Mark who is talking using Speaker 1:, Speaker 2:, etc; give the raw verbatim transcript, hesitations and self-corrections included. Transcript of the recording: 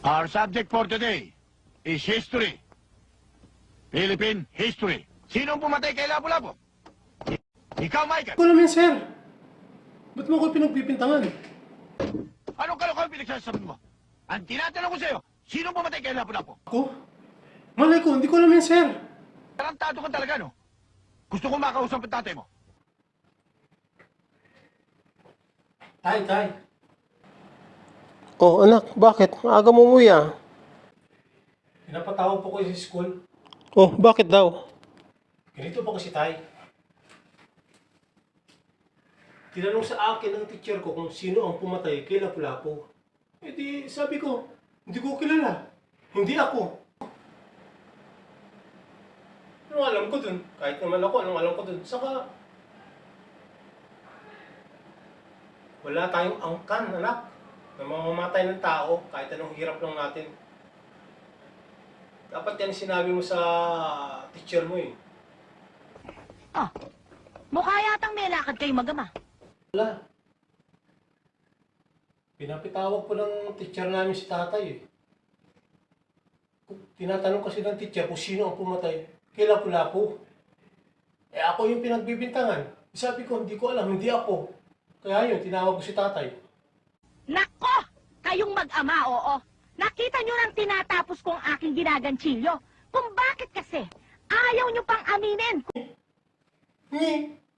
Speaker 1: Our subject for today is history. Philippine history. Sinong pumatay kay Lapu-Lapu? Ikaw, Michael.
Speaker 2: Ko naman, sir. Ba't mo ako pinagpipintangan?
Speaker 1: Anong kalokohan pinagsasabi mo? Ang tinatanong ko sa'yo, sinong pumatay kay Lapu-Lapu?
Speaker 2: Ako? Malay ko, hindi ko alam yan, sir.
Speaker 1: Tarantado ka talaga, no? Gusto kong makausap ang tatay mo.
Speaker 2: Tay, tay.
Speaker 3: Oh, anak, bakit? Aga mo umuwi ah.
Speaker 2: Pinapatawag po ko sa school.
Speaker 3: Oh, bakit daw?
Speaker 2: Ganito po kasi, tay. Tinanong sa akin ng teacher ko kung sino ang pumatay kay Lapu-Lapu. Eh di, sabi ko, hindi ko kilala. Hindi ako. Anong alam ko dun? Kahit naman ako, anong alam ko dun? Saka, wala tayong angkan, anak, na mamamatay ng tao kahit anong hirap lang natin. Dapat yan sinabi mo sa teacher mo eh.
Speaker 4: Ah, mukha yatang may lakad kayo magama.
Speaker 2: Wala. Pinapitawag po ng teacher namin si tatay eh. Tinatanong kasi ng teacher kung sino ang pumatay kay Lapu-Lapu. Eh ako yung pinagbibintangan. Sabi ko, hindi ko alam, hindi ako. Kaya yun, tinawag ko si tatay.
Speaker 4: Nako! Kayong mag-ama, oo. Nakita nyo nang tinatapos kong aking ginaganchilyo. Kung bakit kasi, ayaw nyo pang aminin.
Speaker 2: Ni,